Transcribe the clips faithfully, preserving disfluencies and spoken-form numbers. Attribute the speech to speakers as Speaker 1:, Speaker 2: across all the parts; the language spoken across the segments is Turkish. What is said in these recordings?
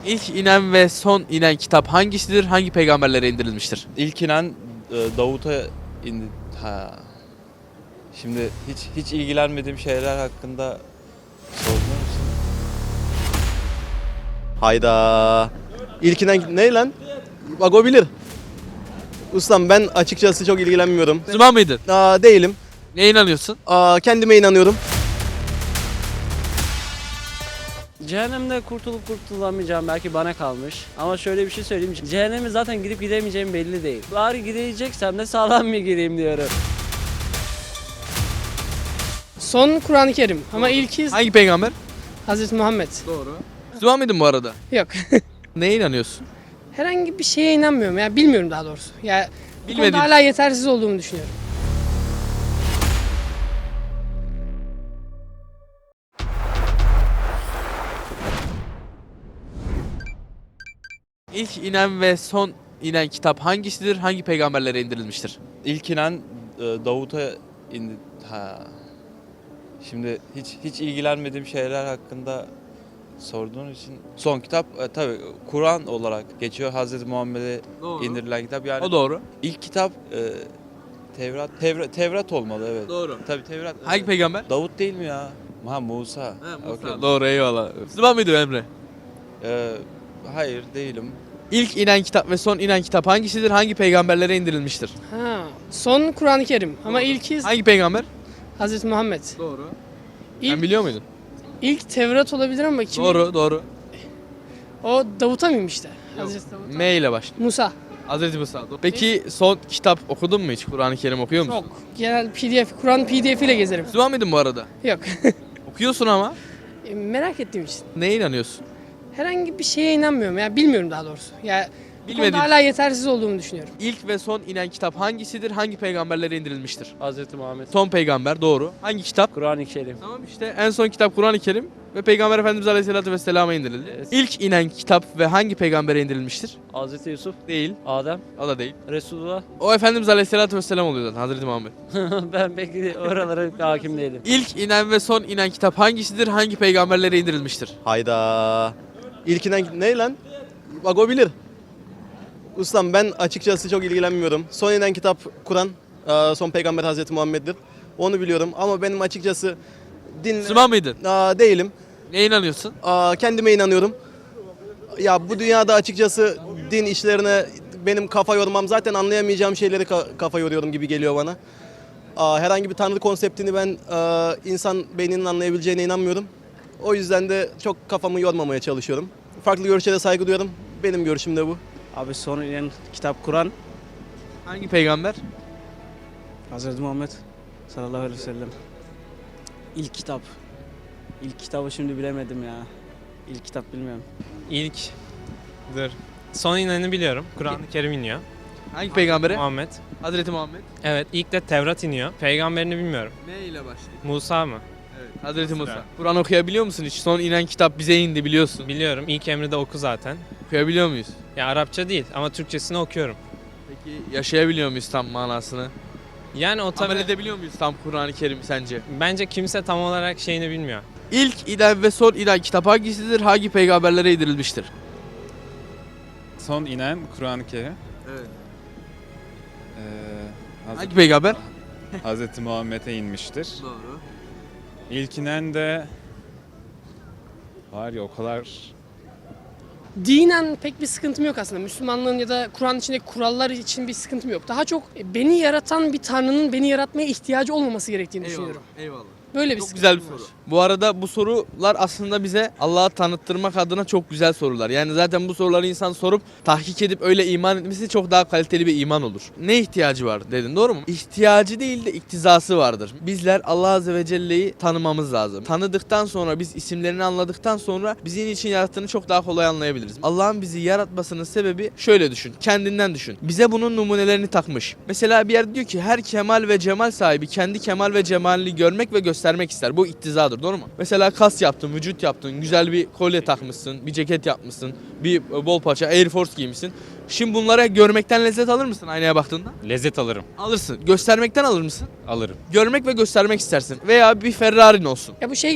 Speaker 1: İlk inen ve son inen kitap hangisidir? Hangi peygamberlere indirilmiştir?
Speaker 2: İlk inen e, Davut'a indi. Ha. Şimdi hiç hiç ilgilenmediğim şeyler hakkında sorduğun için.
Speaker 3: Hayda. İlkinden ne lan? Bak o bilir. Ustam ben açıkçası çok ilgilenmiyorum.
Speaker 1: Müslüman mıydın?
Speaker 3: Aa, değilim.
Speaker 1: Neye inanıyorsun?
Speaker 3: Aa, kendime inanıyorum.
Speaker 4: Cehennemde kurtulup kurtulamayacağım belki bana kalmış. Ama şöyle bir şey söyleyeyim. Cehenneme zaten gidip gidemeyeceğim belli değil. Bari gideceksem de sağlam bir gireyim diyorum.
Speaker 5: Son Kur'an-ı Kerim ama ilki
Speaker 1: Hangi peygamber?
Speaker 5: Hazreti Muhammed.
Speaker 1: Doğru. Müslüman mıydın bu arada?
Speaker 5: Yok.
Speaker 1: Neye inanıyorsun?
Speaker 5: Herhangi bir şeye inanmıyorum ya bilmiyorum daha doğrusu. Ya bu
Speaker 1: Bilmediğin-
Speaker 5: konuda hala yetersiz olduğumu düşünüyorum.
Speaker 1: İlk inen ve son inen kitap hangisidir? Hangi peygamberlere indirilmiştir?
Speaker 2: İlk inen e, Davut'a indi. Ha. Şimdi hiç hiç ilgilenmediğim şeyler hakkında sorduğun için son kitap e, tabii Kur'an olarak geçiyor. Hazreti Muhammed'e
Speaker 1: Doğru.
Speaker 2: indirilen kitap. Yani
Speaker 1: O doğru.
Speaker 2: ilk kitap e, Tevrat, Tevrat Tevrat olmalı evet.
Speaker 1: Doğru.
Speaker 2: Tabii Tevrat.
Speaker 1: Hangi peygamber?
Speaker 2: Davut değil mi ya? Ha Musa. Okey.
Speaker 1: Doğru, eyvallah. Müslüman mıydın Emre?
Speaker 2: Ee, hayır değilim.
Speaker 1: İlk inen kitap ve son inen kitap hangisidir? Hangi peygamberlere indirilmiştir?
Speaker 5: Ha, son Kur'an-ı Kerim ama ilki
Speaker 1: Hangi peygamber?
Speaker 5: Hazreti Muhammed.
Speaker 1: Doğru.
Speaker 5: İlk,
Speaker 1: Sen biliyor muydun?
Speaker 5: ilk Tevrat olabilir ama kim?
Speaker 1: Doğru, doğru.
Speaker 5: O Davut'a mıymış da? Hazreti Davut.
Speaker 1: M ile başlıyor.
Speaker 5: Musa.
Speaker 1: Hazreti Musa. Peki son kitap okudun mu hiç? Kur'an-ı Kerim okuyor musun?
Speaker 5: Çok. Genel P D F, Kur'an P D F ile gezerim.
Speaker 1: Müslüman mıydın bu arada?
Speaker 5: Yok.
Speaker 1: Okuyorsun ama.
Speaker 5: E, Merak ettiğim için.
Speaker 1: Neye inanıyorsun?
Speaker 5: Herhangi bir şeye inanmıyorum ya bilmiyorum daha doğrusu. Ya bu
Speaker 1: Bilmediğin-
Speaker 5: konuda hala yetersiz olduğumu düşünüyorum.
Speaker 1: İlk ve son inen kitap hangisidir? Hangi peygamberlere indirilmiştir?
Speaker 4: Hazreti Muhammed.
Speaker 1: Son peygamber doğru. Hangi kitap?
Speaker 4: Kur'an-ı Kerim.
Speaker 1: Tamam işte en son kitap Kur'an-ı Kerim ve Peygamber Efendimiz Aleyhisselatü Vesselam'a indirildi.
Speaker 4: Evet.
Speaker 1: İlk inen kitap ve hangi peygambere indirilmiştir?
Speaker 4: Hazreti Yusuf,
Speaker 1: Değil.
Speaker 4: Adem,
Speaker 1: O da değil.
Speaker 4: Resulullah.
Speaker 1: O Efendimiz Aleyhisselatü Vesselam oluyor zaten Hazreti Muhammed.
Speaker 4: Ben pek oralara hakim değilim.
Speaker 1: İlk inen ve son inen kitap hangisidir? Hangi peygamberlere indirilmiştir?
Speaker 3: Hayda. İlkinden ne lan? Bak o bilir. Ustam ben açıkçası çok ilgilenmiyorum. Son inen kitap Kur'an. Aa, son peygamber Hazreti Muhammed'dir. Onu biliyorum ama benim açıkçası din
Speaker 1: Müslüman mıydın?
Speaker 3: Aa, değilim.
Speaker 1: Neye inanıyorsun?
Speaker 3: Aa, kendime inanıyorum. Ya bu dünyada açıkçası din işlerine benim kafa yormam zaten anlayamayacağım şeyleri ka- kafa yoruyorum gibi geliyor bana. Aa, herhangi bir tanrı konseptini ben aa, insan beyninin anlayabileceğine inanmıyorum. O yüzden de çok kafamı yormamaya çalışıyorum. Farklı görüşlere saygı duyuyorum. Benim görüşüm de bu.
Speaker 4: Abi son inen kitap Kur'an.
Speaker 1: Hangi peygamber?
Speaker 4: Hazreti Muhammed sallallahu aleyhi ve sellem. İlk kitap. İlk kitabı şimdi bilemedim ya. İlk kitap bilmiyorum.
Speaker 6: İlk dur. Son ineni biliyorum. Kur'an-ı Kerim iniyor.
Speaker 1: Hangi peygambere?
Speaker 6: Muhammed.
Speaker 1: Hazreti Muhammed.
Speaker 6: Evet, ilk de Tevrat iniyor. Peygamberini bilmiyorum.
Speaker 1: Ne ile başlıyor?
Speaker 6: Musa mı?
Speaker 1: Evet. Hazreti Musa.
Speaker 6: Sıra.
Speaker 1: Kur'an okuyabiliyor musun hiç? Son inen kitap bize indi biliyorsun.
Speaker 6: Biliyorum. İlk emri de oku zaten.
Speaker 1: Okuyabiliyor muyuz?
Speaker 6: Ya Arapça değil ama Türkçesini okuyorum.
Speaker 1: Peki yaşayabiliyor muyuz tam manasını?
Speaker 6: Yani o
Speaker 1: Amel
Speaker 6: tabii
Speaker 1: edebiliyor muyuz tam Kur'an-ı Kerim sence?
Speaker 6: bence kimse tam olarak şeyini bilmiyor.
Speaker 1: İlk inen ve son inen kitap hangisidir? Hangi peygamberlere indirilmiştir?
Speaker 7: Son inen Kur'an-ı Kerim.
Speaker 1: Evet.
Speaker 7: Ee, Hazreti,
Speaker 1: Hangi peygamber?
Speaker 7: Hazreti Muhammed'e inmiştir.
Speaker 1: Doğru.
Speaker 7: İlk inen de var ya o kadar
Speaker 5: Dinen pek bir sıkıntım yok aslında. Müslümanlığın ya da Kur'an içindeki kurallar için bir sıkıntım yok. Daha çok e, beni yaratan bir tanrının beni yaratmaya ihtiyacı olmaması gerektiğini düşünüyorum.
Speaker 1: Eyvallah.
Speaker 5: Böyle bir
Speaker 1: Çok
Speaker 5: sıkıntım
Speaker 1: güzel bir
Speaker 5: var.
Speaker 1: soru. Bu arada bu sorular aslında bize Allah'ı tanıttırmak adına çok güzel sorular. Yani zaten bu soruları insan sorup tahkik edip öyle iman etmesi çok daha kaliteli bir iman olur. Ne ihtiyacı var dedin doğru mu? İhtiyacı değil de iktizası vardır. Bizler Allah Azze ve Celle'yi tanımamız lazım. Tanıdıktan sonra biz isimlerini anladıktan sonra bizim için yarattığını çok daha kolay anlayabiliriz. Allah'ın bizi yaratmasının sebebi şöyle düşün. Kendinden düşün. Bize bunun numunelerini takmış. Mesela bir yer diyor ki her kemal ve cemal sahibi kendi kemal ve cemalini görmek ve göstermek ister. Bu iktizadır doğru mu? Mesela kas yaptın, vücut yaptın, güzel bir kolye takmışsın, bir ceket yapmışsın, bir bol paça Air Force giymişsin. Şimdi bunlara görmekten lezzet alır mısın aynaya baktığında?
Speaker 6: Lezzet alırım.
Speaker 1: Alırsın. Göstermekten alır mısın?
Speaker 6: Alırım.
Speaker 1: Görmek ve göstermek istersin. Veya bir Ferrari'n olsun.
Speaker 5: Ya bu şey gibi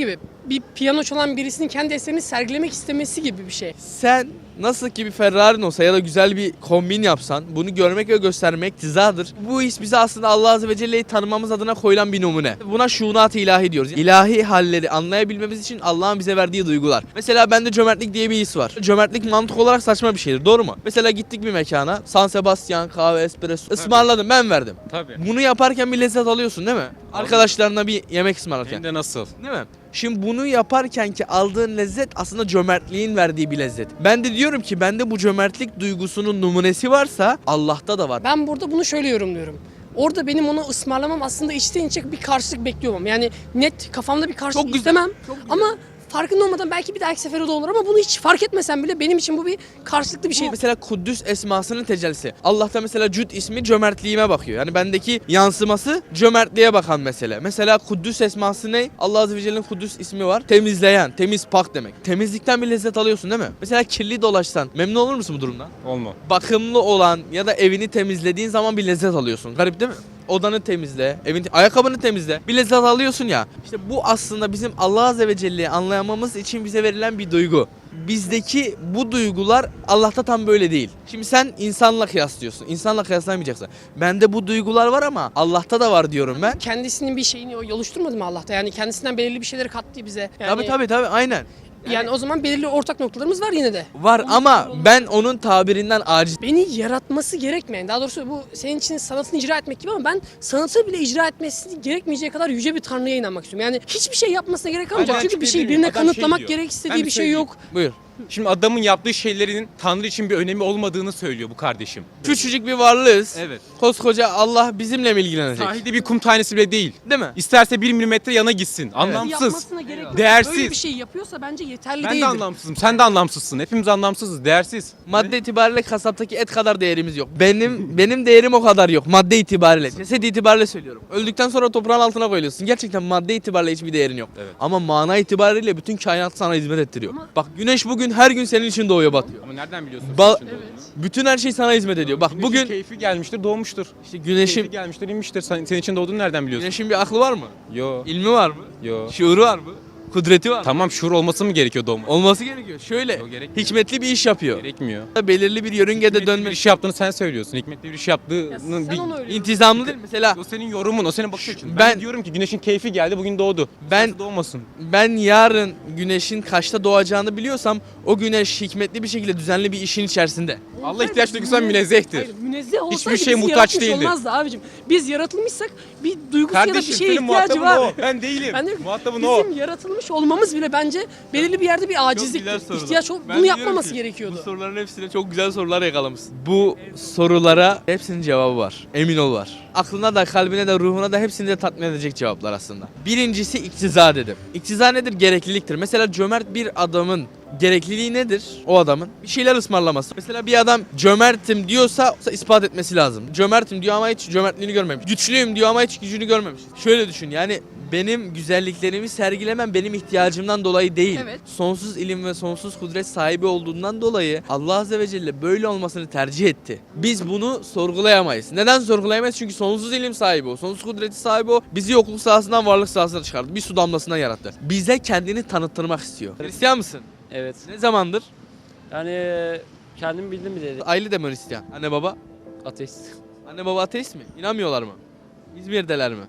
Speaker 5: bir piyano çalan birisinin kendi eserini sergilemek istemesi gibi bir şey.
Speaker 1: Sen nasıl ki bir Ferrari'n olsa ya da güzel bir kombin yapsan bunu görmek ve göstermek iktizadır. Bu his bize aslında Allah Azze ve Celle'yi tanımamız adına koyulan bir numune. Buna şuunat-ı ilahi diyoruz. İlahi halleri anlayabilmemiz için Allah'ın bize verdiği duygular. Mesela bende cömertlik diye bir his var. Cömertlik mantık olarak saçma bir şeydir, doğru mu? Mesela gittik bir mekana, San Sebastian kahve, espresso ısmarladım, ben verdim.
Speaker 7: Tabii.
Speaker 1: Bunu yaparken bir lezzet alıyorsun değil mi? Arkadaşlarına bir yemek ısmarlarken.
Speaker 7: Hem de nasıl?
Speaker 1: Değil mi? Şimdi bunu yaparken ki aldığın lezzet aslında cömertliğin verdiği bir lezzet. Ben de diyorum ki bende bu cömertlik duygusunun numunesi varsa Allah'ta da var.
Speaker 5: Ben burada bunu şöyle yorumluyorum. Orada benim onu ısmarlamam aslında içten içe bir karşılık bekliyorum. Yani net kafamda bir karşılık
Speaker 1: Çok güzel,
Speaker 5: istemem.
Speaker 1: çok güzel.
Speaker 5: Ama farkında olmadan belki bir dahaki sefere de olur ama bunu hiç fark etmesem bile benim için bu bir karşılıklı bir şey.
Speaker 1: Bu mesela Kuddüs esmasının tecellisi. Allah'ta mesela Cüd ismi cömertliğime bakıyor. Yani bendeki yansıması cömertliğe bakan mesele. Mesela Kuddüs esması ne? Allah Azze ve Celle'nin Kuddüs ismi var. Temizleyen, temiz, pak demek. Temizlikten bir lezzet alıyorsun değil mi? Mesela kirli dolaşsan memnun olur musun bu durumdan?
Speaker 7: Olma.
Speaker 1: Bakımlı olan ya da evini temizlediğin zaman bir lezzet alıyorsun. Garip değil mi? Odanı temizle, evin ayakkabını temizle. Bir lezzet alıyorsun ya. İşte bu aslında bizim Allah Azze ve Celle'yi anlayamamız için bize verilen bir duygu. Bizdeki bu duygular Allah'ta tam böyle değil. Şimdi sen insanla kıyaslıyorsun. İnsanla kıyaslayamayacaksın. Bende bu duygular var ama Allah'ta da var diyorum ben.
Speaker 5: Kendisinin bir şeyini o oluşturmadı mı Allah'ta? Yani kendisinden belirli bir şeyleri kattı bize. Yani,
Speaker 1: Tabii tabii tabii aynen.
Speaker 5: Yani o zaman belirli ortak noktalarımız var yine de.
Speaker 1: Var ama ben onun tabirinden aciz.
Speaker 5: Beni yaratması gerekmeyen, daha doğrusu bu senin için sanatını icra etmek gibi ama ben sanatı bile icra etmesi gerekmeyeceği kadar yüce bir tanrıya inanmak istiyorum. Yani hiçbir şey yapmasına gerek kalmayacak.
Speaker 8: Aynen,
Speaker 5: Çünkü bir
Speaker 8: çünkü
Speaker 5: şey
Speaker 8: bilmiyorum.
Speaker 5: birine
Speaker 8: Adam şey
Speaker 5: kanıtlamak
Speaker 8: diyor.
Speaker 5: gerek
Speaker 8: Ben
Speaker 5: istediği
Speaker 8: bir
Speaker 5: bir şey
Speaker 8: söyleyeyim.
Speaker 5: yok.
Speaker 1: Buyur.
Speaker 8: Şimdi adamın yaptığı şeylerin Tanrı için bir önemi olmadığını söylüyor bu kardeşim.
Speaker 1: Küçücük bir varlığız.
Speaker 8: Evet.
Speaker 1: Koskoca Allah bizimle mi ilgilenecek?
Speaker 8: Sahilde bir kum tanesi bile değil.
Speaker 1: Değil mi?
Speaker 8: İsterse bir milimetre yana gitsin. Anlamsız.
Speaker 5: Yapmasına gerek yok.
Speaker 8: Değersiz.
Speaker 5: Böyle bir şey yapıyorsa bence yeterli
Speaker 8: Ben
Speaker 5: değildir.
Speaker 8: de anlamsızım. Sen de anlamsızsın. Hepimiz anlamsızız. Değersiz.
Speaker 1: Madde itibariyle kasaptaki et kadar değerimiz yok. Benim benim değerim o kadar yok madde itibariyle. Ceset itibariyle söylüyorum. Öldükten sonra toprağın altına koyuluyorsun. Gerçekten madde itibariyle hiçbir değerin yok.
Speaker 8: Evet.
Speaker 1: Ama mana itibariyle bütün kainat sana hizmet ettiriyor.
Speaker 5: Ama-
Speaker 1: Bak güneş bugün her gün senin için doğuyor batıyor.
Speaker 8: Ama nereden biliyorsun?
Speaker 1: Ba-
Speaker 8: senin için olduğunu?
Speaker 1: Bütün her şey sana hizmet ediyor. Bak
Speaker 8: Güneşin
Speaker 1: bugün
Speaker 8: keyfi gelmiştir, doğmuştur.
Speaker 1: işte
Speaker 8: Keyfi
Speaker 1: güneşin
Speaker 8: gelmiştir, inmiştir. Sen, senin için doğduğunu nereden biliyorsun?
Speaker 1: güneşin bir aklı var mı?
Speaker 8: Yo.
Speaker 1: İlmi var mı?
Speaker 8: Yo.
Speaker 1: Şuuru var mı? Kudreti var mı?
Speaker 8: Tamam, şuur olması mı gerekiyor doğmak?
Speaker 1: Olması gerekiyor. Şöyle
Speaker 8: Yok, gerekmiyor.
Speaker 1: hikmetli bir iş yapıyor.
Speaker 8: Gerekmiyor.
Speaker 1: Belirli bir yörüngede
Speaker 8: Hikmetli bir
Speaker 1: dönme.
Speaker 8: iş yaptığını sen söylüyorsun. Hikmetli bir iş
Speaker 5: Ya
Speaker 8: yaptığının
Speaker 5: sen
Speaker 8: bir...
Speaker 5: onu öyle
Speaker 1: İntizamlı değil mi? Mesela
Speaker 8: O senin yorumun, o senin bakış açın. Ben,
Speaker 1: Ben-
Speaker 8: diyorum ki güneşin keyfi geldi, bugün doğdu.
Speaker 1: Ben-
Speaker 8: Nasıl doğmasın?
Speaker 1: ben yarın güneşin kaçta doğacağını biliyorsam o güneş hikmetli bir şekilde düzenli bir işin içerisinde.
Speaker 8: Allah ihtiyaç duygusundan münezzehtir.
Speaker 5: Hayır, münezzeh olsaydı
Speaker 8: Hiçbir
Speaker 5: bizi
Speaker 8: şeye muhtaç
Speaker 5: yaratmış
Speaker 8: değildi.
Speaker 5: olmazdı abicim. Biz yaratılmışsak bir duygusu ya da bir
Speaker 8: Kardeşim
Speaker 5: şeye
Speaker 8: senin
Speaker 5: ihtiyacı
Speaker 8: muhatabın
Speaker 5: var.
Speaker 8: o. Ben değilim.
Speaker 5: Ben diyorum ki,
Speaker 8: Muhatabın o.
Speaker 5: bizim yaratılmış olmamız bile bence belirli bir yerde bir acizlik, ihtiyaç ol- bunu yapmaması gerekiyordu.
Speaker 1: Bu soruların hepsine çok güzel sorular yakalamışsın. Bu sorulara hepsinin cevabı var. Emin ol var. Aklına da kalbine de ruhuna da hepsini de tatmin edecek cevaplar aslında. Birincisi iktiza dedim. İktiza nedir? Gerekliliktir. Mesela cömert bir adamın gerekliliği nedir o adamın? Bir şeyler ısmarlaması. Mesela bir adam cömertim diyorsa ispat etmesi lazım. Cömertim diyor ama hiç cömertliğini görmemiş. Güçlüyüm diyor ama hiç gücünü görmemiş. Şöyle düşün yani benim güzelliklerimi sergilemem benim ihtiyacımdan dolayı değil.
Speaker 5: Evet.
Speaker 1: Sonsuz ilim ve sonsuz kudret sahibi olduğundan dolayı Allah Azze ve Celle böyle olmasını tercih etti. Biz bunu sorgulayamayız. Neden sorgulayamayız? Çünkü sonsuz ilim sahibi o. Sonsuz kudreti sahibi o. Bizi yokluk sahasından varlık sahasına çıkardı. Bir su damlasından yarattı. Bize kendini tanıttırmak istiyor. Hristiyan mısın?
Speaker 4: Evet.
Speaker 1: Ne zamandır?
Speaker 4: Yani kendim bildim bile
Speaker 1: Aile de mi Hristiyan? Anne baba?
Speaker 4: ateist.
Speaker 1: Anne baba ateist mi? İnanmıyorlar mı? İzmir'deler mi?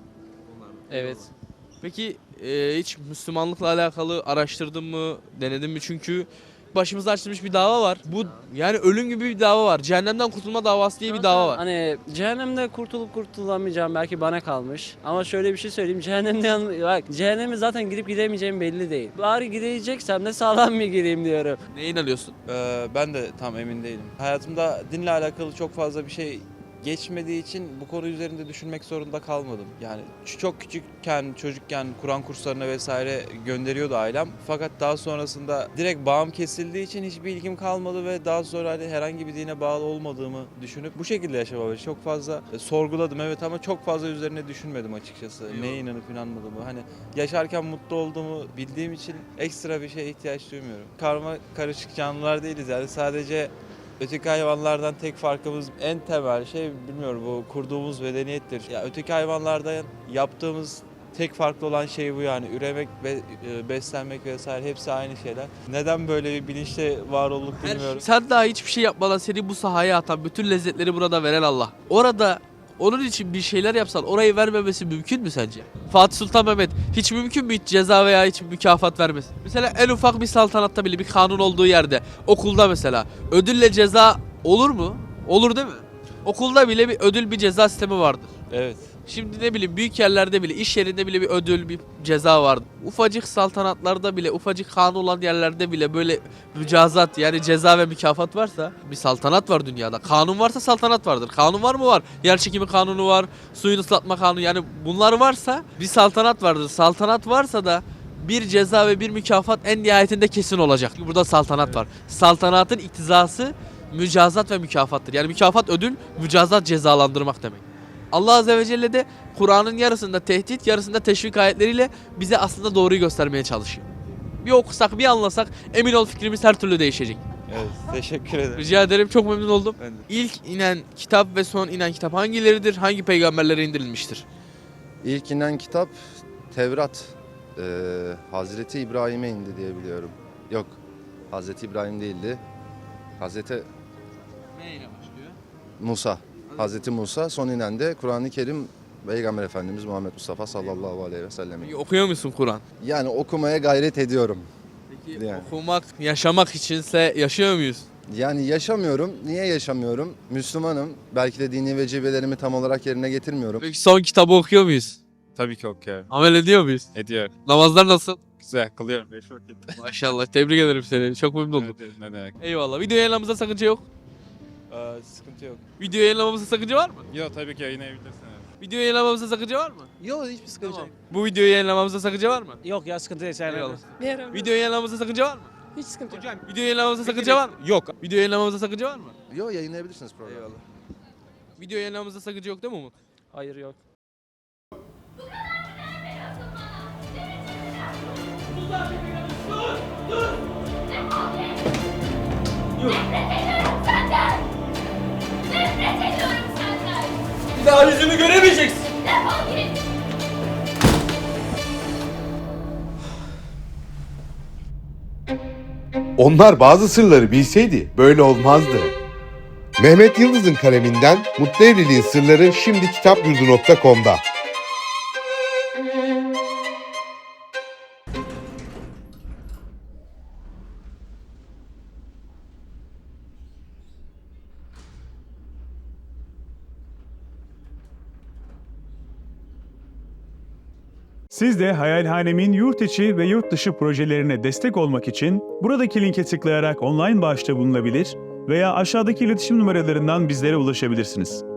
Speaker 4: Evet.
Speaker 1: Peki e, hiç Müslümanlıkla alakalı araştırdın mı, denedin mi? Çünkü başımıza açılmış bir dava var. Bu yani ölüm gibi bir dava var. Cehennemden kurtulma davası diye bir dava var.
Speaker 4: Hani cehennemde kurtulup kurtulamayacağım belki bana kalmış. Ama şöyle bir şey söyleyeyim. Cehennemde yan- bak cehenneme zaten gidip gidemeyeceğim belli değil. Bari gideceksem de sağlam mı gireyim diyorum.
Speaker 1: Neye inanıyorsun?
Speaker 2: Ee, ben de tam emin değilim. Hayatımda dinle alakalı çok fazla bir şey geçmediği için bu konu üzerinde düşünmek zorunda kalmadım. Yani ç- çok küçükken, çocukken Kur'an kurslarına vesaire gönderiyordu ailem. Fakat daha sonrasında direkt bağım kesildiği için hiçbir ilgim kalmadı ve daha sonra hani herhangi bir dine bağlı olmadığımı düşünüp bu şekilde yaşamaya çok fazla e, sorguladım evet ama çok fazla üzerine düşünmedim açıkçası. Neye inanıp inanmadığımı. Hani yaşarken mutlu olduğumu bildiğim için ekstra bir şeye ihtiyaç duymuyorum. Karma karışık canlılar değiliz yani sadece öteki hayvanlardan tek farkımız en temel şey bilmiyorum bu kurduğumuz medeniyettir. Ya öteki hayvanlardan yaptığımız tek farklı olan şey bu yani. Üremek, be, e, beslenmek vesaire hepsi aynı şeyler. Neden böyle bir bilinçle var olduk bilmiyorum.
Speaker 1: Sen daha hiçbir şey yapmadan seni bu sahaya atan, bütün lezzetleri burada veren Allah. Orada onun için bir şeyler yapsan orayı vermemesi mümkün mü sence? Fatih Sultan Mehmet hiç mümkün mü hiç ceza veya hiç mükafat vermesin? Mesela en ufak bir saltanatta bile bir kanun olduğu yerde, okulda mesela ödülle ceza olur mu? Olur değil mi? Okulda bile bir ödül, bir ceza sistemi vardır.
Speaker 2: Evet.
Speaker 1: Şimdi ne bileyim büyük yerlerde bile, iş yerinde bile bir ödül, bir ceza vardı. Ufacık saltanatlarda bile, ufacık kanun olan yerlerde bile böyle mücazat yani ceza ve mükafat varsa bir saltanat var dünyada. Kanun varsa saltanat vardır. Kanun var mı? Var. Yer çekimi kanunu var, suyun ıslatma kanunu yani bunlar varsa bir saltanat vardır. Saltanat varsa da bir ceza ve bir mükafat en nihayetinde kesin olacak. Burada saltanat var. Saltanatın iktizası mücazat ve mükafattır. Yani mükafat ödül, mücazat cezalandırmak demek. Allah Azze ve Celle de Kur'an'ın yarısında tehdit, yarısında teşvik ayetleriyle bize aslında doğruyu göstermeye çalışıyor. Bir okusak, bir anlasak emin ol fikrimiz her türlü değişecek.
Speaker 2: Evet. Teşekkür ederim.
Speaker 1: Rica ederim, çok memnun oldum.
Speaker 2: Ben de.
Speaker 1: İlk inen kitap ve son inen kitap hangileridir? Hangi peygamberlere indirilmiştir?
Speaker 9: İlk inen kitap Tevrat. Ee, Hazreti İbrahim'e indi diye biliyorum. Yok, Hazreti İbrahim değildi. Hazreti
Speaker 1: Neyle başlıyor?
Speaker 9: Musa. Hazreti Musa. Son inen de Kur'an-ı Kerim Peygamber Efendimiz Muhammed Mustafa sallallahu aleyhi ve sellem.
Speaker 1: Peki okuyor musun Kur'an?
Speaker 9: Yani okumaya gayret ediyorum.
Speaker 1: Peki
Speaker 9: Yani.
Speaker 1: okumak, yaşamak içinse yaşıyor muyuz?
Speaker 9: Yani yaşamıyorum. Niye yaşamıyorum? Müslümanım. Belki de dini vecibelerimi tam olarak yerine getirmiyorum.
Speaker 1: Peki son kitabı okuyor muyuz?
Speaker 7: Tabii ki okuyorum.
Speaker 1: Amel ediyor muyuz?
Speaker 7: Ediyor.
Speaker 1: Namazlar nasıl?
Speaker 7: Güzel kılıyorum. Beş vakit.
Speaker 1: Maşallah, tebrik ederim seni. Çok memnun oldum.
Speaker 7: Evet, ne demek.
Speaker 1: Eyvallah. Video yayınlamamızda sakınca yok.
Speaker 2: Ee, sıkıntı yok.
Speaker 1: Video yayınlamamızda sakınca var mı?
Speaker 7: Yok tabii ki yayınlayabilirsiniz.
Speaker 1: Video yayınlamamızda sakınca var mı?
Speaker 3: Yok hiçbir sıkıntı
Speaker 1: Tamam.
Speaker 3: yok.
Speaker 1: Bu videoyu yayınlamamızda sakınca var mı?
Speaker 4: Yok ya sıkıntı değil.
Speaker 1: Eyvallah.
Speaker 5: Ne yarar?
Speaker 1: Video yayınlamamızda sakınca var mı?
Speaker 5: Hiç sıkıntı yok.
Speaker 1: Video yayınlamamızda sakınca var mı?
Speaker 8: Yok.
Speaker 1: Video yayınlamamızda sakınca var mı?
Speaker 9: Yok, yayınlayabilirsiniz programı.
Speaker 1: Eyvallah. Video yayınlamamızda sakınca yok değil mi Umut?
Speaker 4: Hayır yok.
Speaker 10: Nefret ediyorum senden.
Speaker 1: Bir daha yüzümü göremeyeceksin.
Speaker 10: Defol git.
Speaker 11: Onlar bazı sırları bilseydi böyle olmazdı. Mehmet Yıldız'ın kaleminden Mutlu Evliliğin Sırları şimdi kitapyurdu nokta com'da.
Speaker 12: Siz de Hayalhanem'in yurt içi ve yurt dışı projelerine destek olmak için buradaki linke tıklayarak online bağışta bulunabilir veya aşağıdaki iletişim numaralarından bizlere ulaşabilirsiniz.